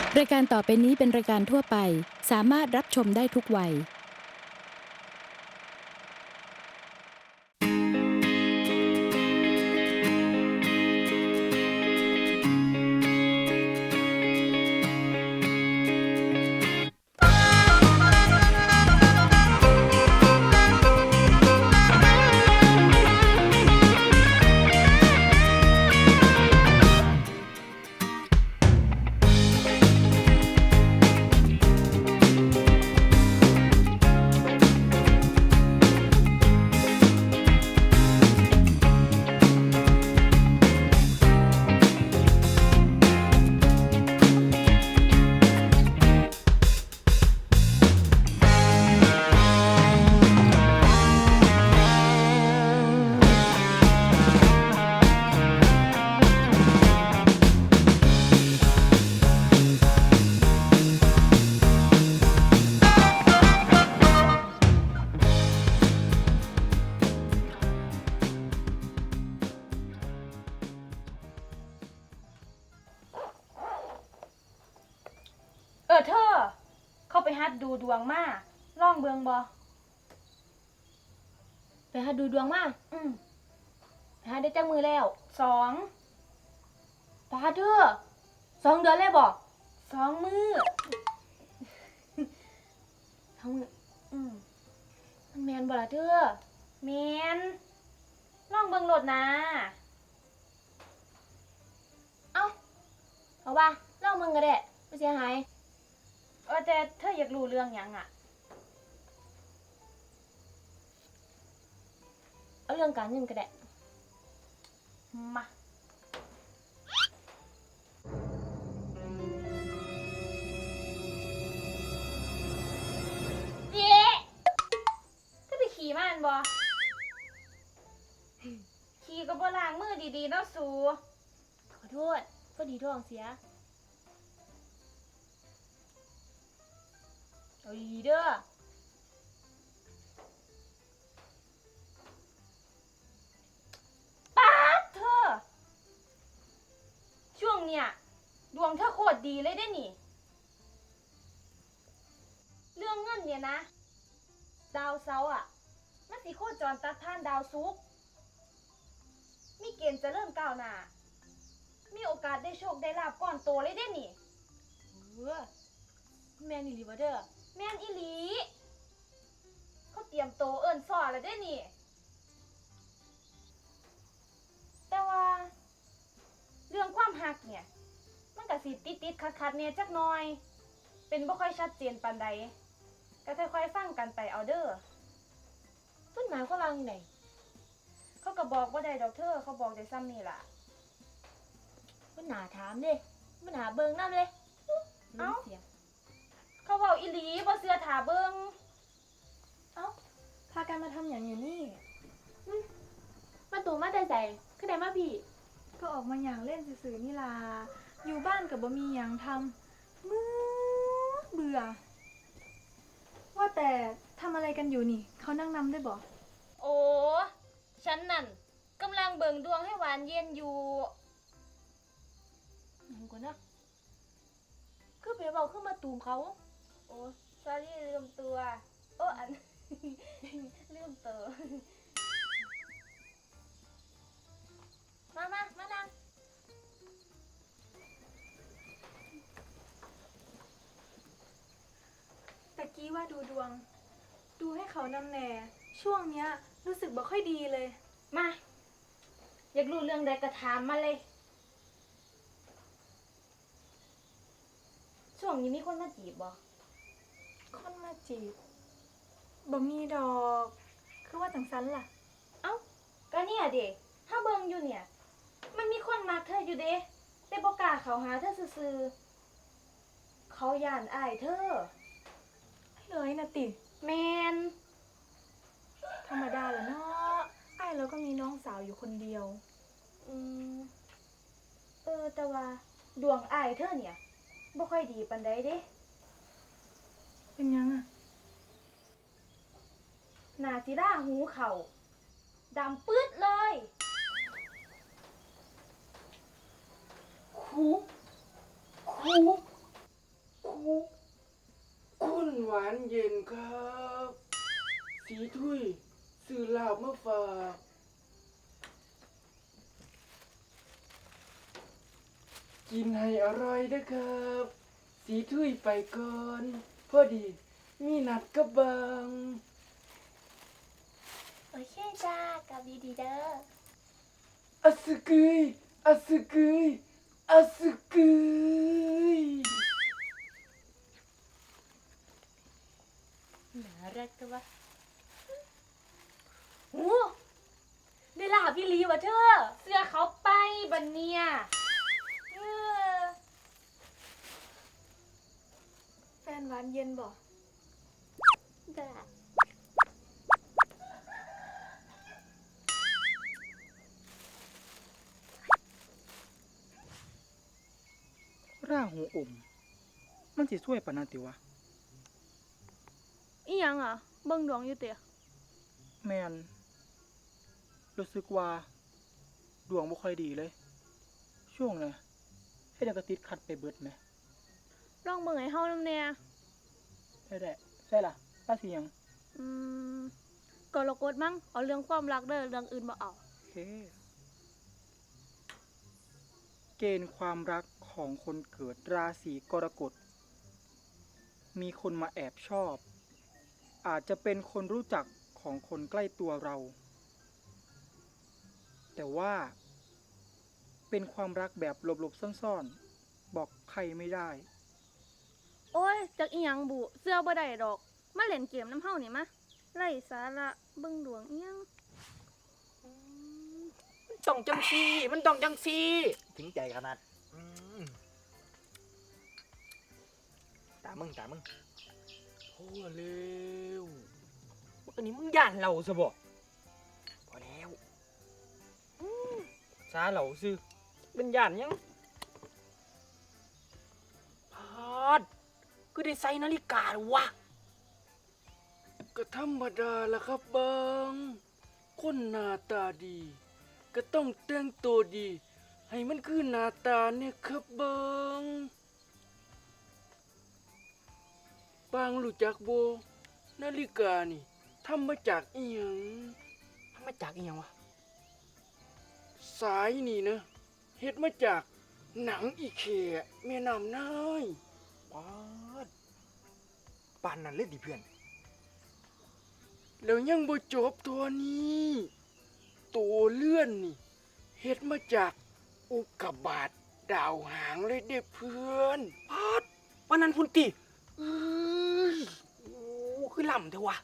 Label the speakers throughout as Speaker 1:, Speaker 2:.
Speaker 1: รายการต่อไปนี้เป็นรายการทั่วไปสามารถรับชมได้ทุกวัย
Speaker 2: เธอเข้าไปฮัดดูดวงมาล่องเบิงบ่
Speaker 3: ไปหาดูดวงมา
Speaker 2: อืม
Speaker 3: ไปหาได้จักมือแล้ว
Speaker 2: สอง
Speaker 3: ปาเธอ2 เดือนเลยบ่
Speaker 2: สองมือ
Speaker 3: ทั้งมือ
Speaker 2: อืม
Speaker 3: มันแม่นบ่ล่ะเธอ
Speaker 2: แมนล่องเบิงโหลดนะ
Speaker 3: เอาว่าลองมึงก็ได้บ่เสียหาย
Speaker 2: แต่เธออยากรู้เรื่องหยังอ่ะ
Speaker 3: เอาเรื่องการเงินก็ได้
Speaker 2: มาเย้ก็ไปขี่มันบ่ขี่ก็บ่ล้างมือดีๆเนาะสู
Speaker 3: ขอโทษพอดีท้องเสียเอาดีๆเด้อ
Speaker 2: ป๊าดเธอช่วงเนี้ยดวงเธอโคตรดีเลยได้นี่เรื่องเงินเนี่ยนะดาวเสาร์อ่ะมันสิโคจรตัดผ่านดาวศุกร์มีเกณฑ์จะเริ่มก้าวหน้ามีโอกาสได้โชคได้ลาภก้อนโตเลยได้นี่
Speaker 3: แม่นอีหลีบ่เด้อ
Speaker 2: แม่นอีหลีเขาเตรียมโตเอิ้นซ้อแล้วได้นี่แต่ว่าเรื่องความหักเนี่ยมันก็สิติดๆขัดๆเนี่ยจักหน่อยเป็นบ่ค่อยชัดเจนปานใดก็ค่อยๆฟังกันไปเอาเด้อ
Speaker 3: เพิ่นหมายความว่าจังได๋
Speaker 2: เขาก็บอกบ่ได้ดอกเธอเขาบอกได้ซ้ำนี่ล่ะ
Speaker 3: เพิ่นหาถามเด้มันหาเบิ่งนำเลย
Speaker 2: เอ้า
Speaker 3: เสียง
Speaker 2: เขาเว้าอีหลีบ่เชื่อท่าเบิ่ง
Speaker 4: พากันมาทำอย่างอยู่นี่
Speaker 3: มาตูมาแต่ไสคือได้มาพี่
Speaker 4: ก็ออกมาอย่างเล่นสื่อๆนี่ล่ะอยู่บ้านกับบ่มีอย่างทำเบื่อว่าแต่ทำอะไรกันอยู่นี่ เขานั่งนำได้บ่
Speaker 2: โอ้ฉันนั่นกำลังเบิ่งดวงให้หวานเย็นอยู่
Speaker 3: หยังก่อนนะคือไปเว้าคือมาตูมเขา
Speaker 2: โอ้ sorry ลืมตัวโอ้อัน ลืมตัว
Speaker 3: มานั่ง
Speaker 4: ตะกี้ว่าดูดวง ดูให้เขานำแหน่ช่วงเนี้ยรู้สึกบ่ค่อยดีเลย
Speaker 2: มาอยากรู้เรื่องใดก็ถามมาเลยช่วงนี้มีคนมาจีบบ่
Speaker 4: คนมาจีบบ่มีดอก คือว่าจังซันล่ะ
Speaker 2: เอ้าก็เนี่ยเด้ถ้าเบิ่งอยู่เนี่ยมันมีคนมักเธออยู่เด้แต่บ่กล้าเข้าหาเธอซื่อๆเขาย่านอายเธอ
Speaker 4: เลยนะติ
Speaker 2: แม่น
Speaker 4: ธรรมดาแหละเนาะไอ้ายแล้วก็มีน้องสาวอยู่คนเดียว
Speaker 2: อืมแต่ว่าดวงอายเธอเนี่ยบ่ค่อยดีปานใดเด้
Speaker 4: เป็นยังอะ
Speaker 2: หน้าสิร่าหูเขาดำปื๊ดเลยคูคู
Speaker 5: หวานเย็นครับ สีถุยซื้อลาบมาฝากกินให้อร่อยเด้อครับ สีถุยไปก่อนพอดีมีนัดกับบาง
Speaker 3: โอเคจ้ากลับดีๆเด้อ
Speaker 5: อะสึกยอะสึกยอะสึกย
Speaker 3: น่ารักจังวะโอ้ได้ลาบพี่ลีวะเธอ
Speaker 2: เสื้อเขาไปบันเนี่ย
Speaker 4: แฟนหวานเย็นบ่
Speaker 3: ได้
Speaker 6: ร่าหูอม มันสิช่วยปานนั้นติวะ
Speaker 2: อีหยังอ่ะ เบิ่งดวงอยู่เตะ
Speaker 6: แมนรู้สึกว่าดวงบ่ค่อยดีเลย ช่วงน่ะให้ดังกระติดขัดไปเบิดไหม
Speaker 2: ลองเบิ่งให้เฮานำแน่
Speaker 6: ได้แหละใช่ล่ะป้าสิหยัง
Speaker 2: อืมกรกฎมั้งเอาเรื่องความรักเด้อเรื่องอื่นบ่เอา
Speaker 6: โอเค เกณฑ์ความรักของคนเกิดราศีกรกฎมีคนมาแอบชอบ อาจจะเป็นคนรู้จักของคนใกล้ตัวเรา แต่ว่าเป็นความรักแบบหลบๆซ่อนๆ บอกใครไม่ได้
Speaker 2: โอ้ยจักอีหยังบุเสื้อบ่ได้ดอก มาเล่นเกมน้ำเฮานี่มะไร้สาระเบิ่งดวงอีหยัง
Speaker 7: มันต้องจังซี่ มันต้องจังซี่ ถึงใจขนาดตามึง
Speaker 5: พอแล้ว
Speaker 7: อันนี้มึงย่านเราซะบ่พอแล้วซาเราซื้อเป็นย่านยังพาดก็ได้ใส่นาฬิกาหรอวะ
Speaker 5: ก็ธรรมดาละครับบางคนหน้าตาดี ก็ต้องแต่งตัวดี ให้มันคือหน้าตาเนี่ยครับบางบางรู้จักโบนาฬิกานี่ทำมาจากอีหยัง
Speaker 7: ทำมาจากอีหยังวะ
Speaker 5: สายนี่นะเฮ็ดมาจากหนังอีแขแม่น้ำนาย
Speaker 7: ปาดปานนั้นเลยดิเพื่อน
Speaker 5: แล้วยังบ่จบตัวนี้ตัวเลื่อนนี่เฮ็ดมาจากอุกกาบาตดาวหางเลยเด้เพื่อน
Speaker 7: ปาดวันนั้นพุ่นติ
Speaker 5: เอ้ย
Speaker 7: โอ้คือล่ำเถอะวะ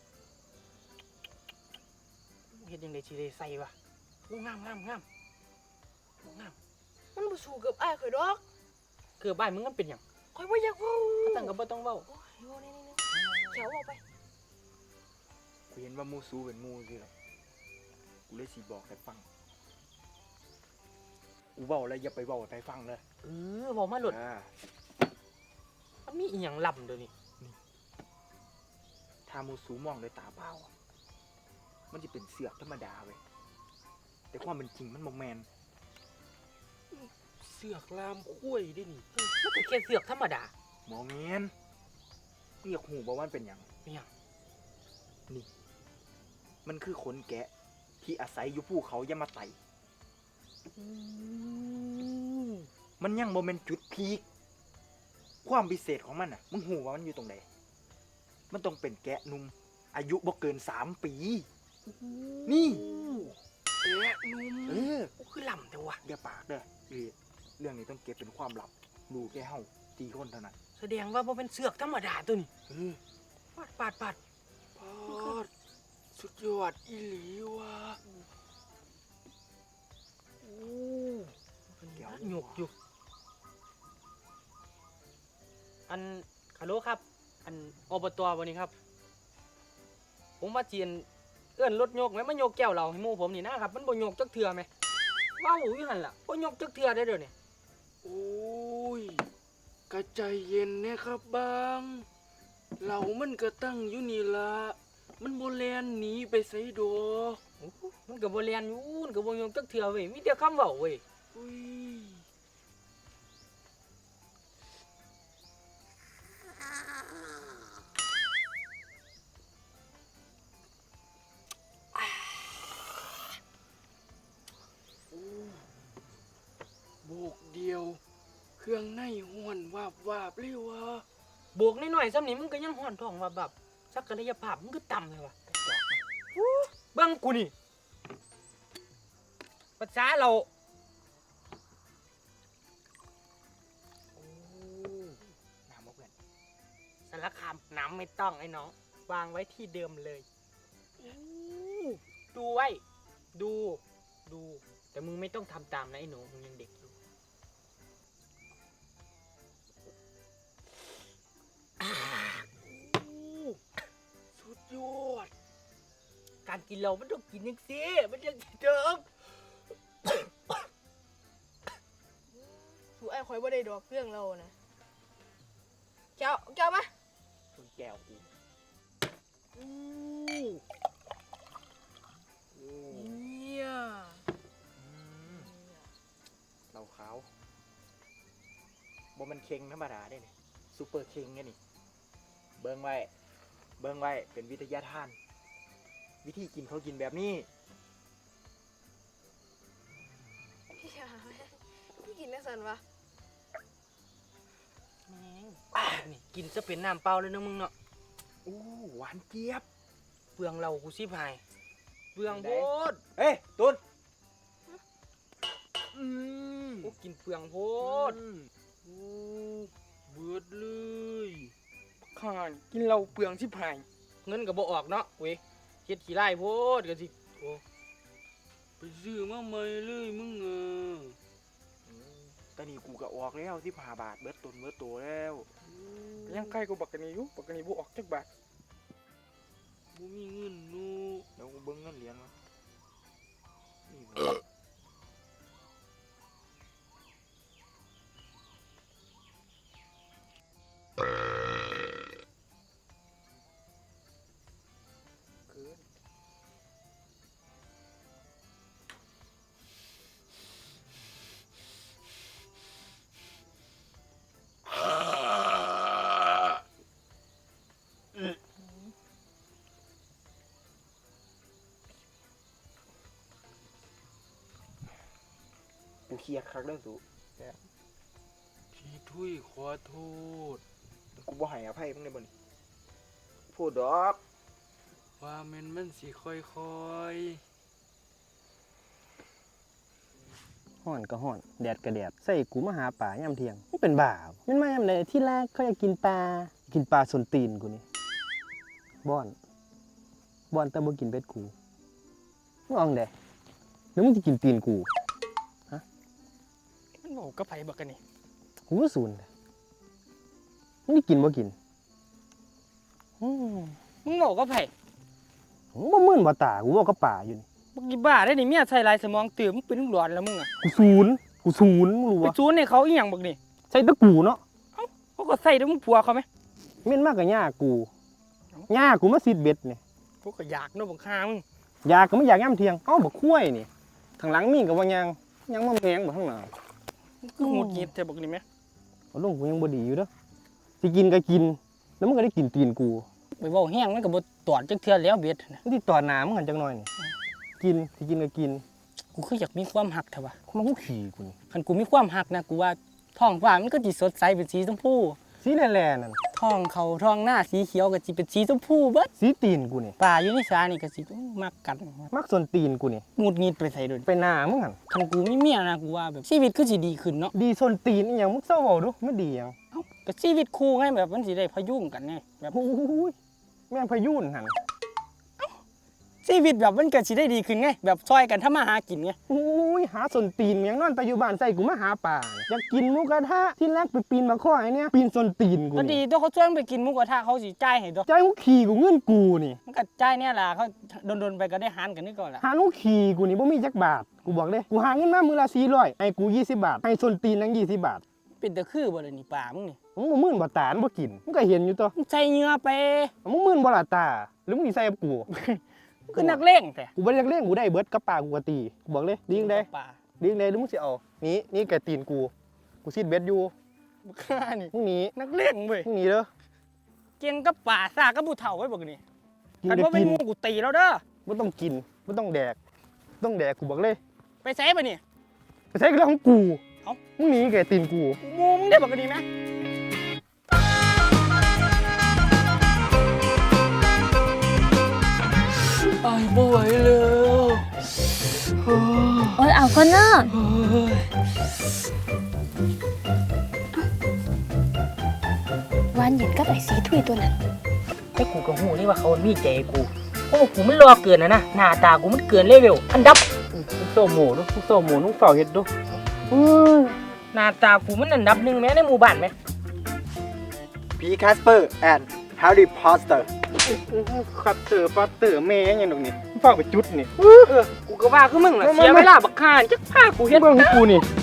Speaker 7: เฮ็ดยังได้สิได้ใส่วะโอ้งามโอ้งาม
Speaker 2: มันบ่สู้กับอ้ายข่อยดอก
Speaker 7: เกือบบ้านมึงมันเป็นหยัง
Speaker 2: ข่อยบ่อยากเว้า
Speaker 7: ถ้าตั้งก็บ่ต้องเว้า
Speaker 2: โอ้ยโอ้นี่ๆๆแถวออกไป
Speaker 8: กูเห็นว่ามูซูเป็นมูสิหรอกกูเลยสิบอกให้ฟัง กูเบาแล้วอย่าไปเบาให้ฟังเลย
Speaker 7: เว้ามาโลด
Speaker 8: อ่า
Speaker 7: มันมีอีหยังล่ำเดี๋ยวนี้
Speaker 8: ถ้ามูซูมองด้วยตาเปล่าอะมันจะเป็นเสือกธรรมดาเว้ยแต่ความเป็นจริงมันบ่แมน
Speaker 5: เสือกลามคุ้ยดินี่
Speaker 7: มันก็แค่เสือกธรรมดา
Speaker 8: หมอแมนเรียกหูบอกว่ามันเป็นหยัง
Speaker 7: เป็นหยัง
Speaker 8: นี่ มันคือขนแกะที่อาศัยอยู่ภูเขายามาไตมันยังโมเมนจุดพีคความพิเศษของมันอ่ะมึงหูว่ามันอยู่ตรงไหนมันต้องเป็นแกะหนุ่มอายุบ่เกิน3 ปี นี่
Speaker 5: แกะนุ่ม
Speaker 8: เออ
Speaker 7: โอ้คือล่ำแต่วะ
Speaker 8: อย่าปากเด้อเรื่องนี้ต้องเก็บเป็นความลับรู้แค่เฮา4 คนเท่านั้น
Speaker 7: แสดงว่าบ่เป็นเสือกธรรมดาตัวนี้
Speaker 8: เออ
Speaker 7: ปาด
Speaker 5: พอดสุดยอดอีหลีว่ะ
Speaker 7: โอ้เดี๋ยวหยกอยู่ อันฮัลโหลครับ อันอบตวันนี้ครับ ผมว่าเจียนเอื้อนรถโยกไหมมันโยกแก้วเราให้หมู่ผมนี่นะครับ มันบ่โยกจักเทื่อไหมว้าวอยู่หั่นล่ะบ่โยกจักเทื่อได้เด้อเนี่ย
Speaker 5: โอ้ยกระใจเย็นนะครับบางเหล่ามันก็ตั้งอยู่นี่ละมันโบแลนหนีไปไสดอก
Speaker 7: โอ้โหมันก็บ่เรียนอยู่มันก็บ่โยกจักเทื่อเว้ยมีแต่คำเว้าเว้ย
Speaker 5: อุ้ยเดียว เครื่องในห้วนวาบวาบเลยวะ
Speaker 7: โบกน้อยๆซ้ำนี่มึงก็ยังห่อนท้องว่าแบบศักยภาพมึงก็ต่ำเลยวะเบิ่งกูนี่ภาษาเราโอ้น้ำบ่เพื่อนสารคามน้ำไม่ต้องไอ้น้องวางไว้ที่เดิมเลยดูไว้ดูแต่มึงไม่ต้องทำตามนะไอ้หนูมึงยังเด็กอยู่
Speaker 5: สุดยอด
Speaker 7: การกินเรามันต้องกินอย่างสิมันยังสิเดิม
Speaker 3: สูไอ้คอยบ่ได้ดอกเรื่องเรานะแก้วมา
Speaker 8: ต้นแก้วกู
Speaker 3: เนี่ย
Speaker 8: เหล้าขาวบ่มันเค็งธรรมดาได้นี่ซูเปอร์เค็งไงนี่เบิ่งไว้เป็นวิทยาทาน วิธีกินเขากินแบบนี้
Speaker 3: พี่กินได้สันวะ
Speaker 7: แม่งนี่กินจะเป็นน้ำเปล่าเลยนะมึงเนาะ
Speaker 8: อู้หวานเจี๊ยบ
Speaker 7: เปลืองเรากูสิพายเปลืองโพด
Speaker 8: เฮ้ยตุน
Speaker 7: กูกินเปลืองโพด
Speaker 5: โอ้เบิดเลย
Speaker 7: ข้ากินเราเปลืองสิพายเงินก็บ่ออกเนาะเว้ยเฮ็ดขี้ไล่โพดก็สิโอ้
Speaker 5: ไปซื้อมาใหม่เลยมึง
Speaker 8: ตอนนี้กูก็ออกแล้ว15 บาทเบิดตุนเบิดโตแล้ว
Speaker 7: ยังใกล้กูบักกันนี้อยู่บักกันนี้บ่ออกจักบาท
Speaker 5: บ่มีเงินนู
Speaker 8: เดี๋ยวกูเบิ่งเงินเหรียญมานี่บ่ กูเครียดคักเด้อสู
Speaker 5: พี่ทุยขอโทษ
Speaker 8: กูบ่ให้อภัยมึงได้บ่นี่พูดดอก
Speaker 5: ว่าแม่นมันสิค่อย
Speaker 9: ฮ้อนก็ฮ้อน แดดก็แดด ใส่กูมาหาป่ายามเที่ยงมึงเป็นบ้าบ่แมันมายามใดที่แรกเขาอยากกินปลาส้นตีนกูนี่บ่อนแต่บ่กินเป็ดกูมึงเอาจั่งใดหรือมึงสิกินตีนกู
Speaker 7: มันบอกกับไผบักกันนี่
Speaker 9: กูก็สูนเลยมึงได้กินบ่กินอืม
Speaker 7: มึงบอกกับไผ
Speaker 9: มึงบ่มื่นบ่ตากูบอกกับป่าอยู่นี่
Speaker 7: บักอีบ้าได้นี่เมียใส่ลายสมองตื่มมึงเป็นลูกหลอนแล้วมึงอ่ะ
Speaker 9: กูศูนย์มึงรู้
Speaker 7: ไป
Speaker 9: บ่
Speaker 7: จูนให้เขาอีหยังบักนี่
Speaker 9: ใส่แตะกูเนาะ
Speaker 7: เขาก็ใส่ด้วยมึงผัวเขาไหม
Speaker 9: เม่นมากกับย่ากูมาซิดเบ็ดนี่
Speaker 7: พวกก็อยากเนาะบักข้ามึง
Speaker 9: อยากก็ไม่อยากย่ำเที่ยงเอ้าบักคุ้ยนี่ทางหลังมีก็ว่ายังมาแมงบ่ข้างหน้า
Speaker 7: มึงคือหงุดหงิดแต่บักนี่แหม
Speaker 9: เอาลงกูยังบ่ดีอยู่เด้อสิกินก็กิน แล้วมึงก็ได้กินตีนกู
Speaker 7: ไปเว้าแห้งมันก็บ่ตอดจักเทื่อแล้วเบ็ดน่ะ
Speaker 9: มึงสิต่อหน้ามึงหันจักหน่อยนี่กินสิกินก็กิน
Speaker 7: กูคืออยากมีความหักแท้ว่ะ
Speaker 9: มันกูขี่กูนี่
Speaker 7: คันกูมีความหักนะกูว่าท้องฟ้ามันก็สิสดใสเป็นสีชมพู
Speaker 9: สีแหล่ๆนั่น
Speaker 7: ท้องเขาท้องหน้าสีเขียวก็สิเป็นสีชมพูเบิด
Speaker 9: สีตีนกูนี่
Speaker 7: ป่าอยู่ในสานี่ก็สิมักกัน
Speaker 9: มักส่วนตีนกูนี่
Speaker 7: หงุดหงิดไปใส่โดย
Speaker 9: ไปหน้ามึงหัน
Speaker 7: คันกูมีเมียนะกูว่าแบบชีวิตคือสิดีขึ้นเนาะ
Speaker 9: ดีส่วนตีนอีหยังมึงเศร้าเว้าดูมันดีหยัง
Speaker 7: เอ้าก็ชีวิตคู่ไงแบบมันสิได้พยุงกันไงแบบ
Speaker 9: โอ้ยแม่งพายุนหัน
Speaker 7: ชีวิตแบบมันก็สิได้ดีขึ้นไงแบบช่วยกันทำมาหากินไง
Speaker 9: โอ้ยหาส่วนตีนยังนอนแต่อยู่บ้านใส่กูมาหาป่าอยากกินหมูกระทะที่แรกไปปีนมาข้อไอ้เนี่ยปีนส่วนตีนกู
Speaker 7: ก็ดี
Speaker 9: นี่
Speaker 7: ตัวเขาชวนไปกินหมูกระทะเขาสิจ่ายให้ตัว
Speaker 9: ใจกูขี่กูเงินกูนี่
Speaker 7: มันก็จ่ายเนี่ยล่ะเขาโดนๆไปก็ได้หารกันนี่ก่อนล่ะ
Speaker 9: หาลูกขี่กูนี่บ่มีจักบาทกูบอกเลยกูหาเงินมามือละ400ให้กู20 บาทให้ส่วนตีนนั่ง20 บาท
Speaker 7: เป็นแต่คือบ่ล่ะนี่ป่ามึงนี่
Speaker 9: มึงบ่มื่นบ่ตามึงบ่กินมึงก็เห็นอยู่ตัว
Speaker 7: มึงใส่เหงื่อไป
Speaker 9: มึงมื่นบ่ละตาหรือมึงสิใส่กับกู
Speaker 7: มึงคือนักเลงแต่
Speaker 9: กูบ่ได้เล่นกูได้เบิดกับป่ากูก็ตีกูบอกเลยดีจังได๋
Speaker 7: ป่า
Speaker 9: ดีจังได๋หรือมึงสิเอานี่แกตีนกูซิดเบ็ดอยู่
Speaker 7: บักฆ่านี่
Speaker 9: มึงหนี
Speaker 7: นักเลงเว้ย
Speaker 9: มึงหนีเด้อ
Speaker 7: เก่งกับป่าซ่ากับผู้เฒ่าไว้บักนี่
Speaker 9: กิน
Speaker 7: คัน
Speaker 9: ก็
Speaker 7: ว่าเป็น
Speaker 9: กิน
Speaker 7: หมู่กูตีแล้วเด้อ
Speaker 9: บ่ต้องกินบ่ต้องแดกกูบอกเลย
Speaker 7: ไปใส่ปะนี่
Speaker 9: ไปใช้กับเรื่องของกูมึงหนีแกตีนกู
Speaker 7: กูมูมึงได้บอกกันดีไหม
Speaker 5: ไอ้บ่ไหวแล้วโอ้
Speaker 2: โอ้ยเอาก็เนอะ
Speaker 5: ย
Speaker 2: หวานเย็นกับไอ้สีถุยตัวนั้น
Speaker 7: แต่กูก็หูนี่ว่าเขามีใจกูเพราะว่ากูมันรอเกินนะหน้าตากูมันเกินเลเวลอันดับ
Speaker 9: ทุกโซโหมูทุกโซโหมูทุกเฝ้าเฮ็ดดู
Speaker 7: หน้าตากูมันอันดับหนึ่งแม้ในหมู่บ้านไหม
Speaker 8: ผีแคสเปอร์แอนด์แฮร์รี่พอตเตอร์
Speaker 9: คัตเตอร์ปัตเตอร์แม่ยังดอกนี่เฝ้าไปจุดนี่
Speaker 7: กูก็ว่าคือมึงล่ะเสียเวลาบักห่าจักพากูเฮ็ด
Speaker 9: เบิ่งให้กูนี่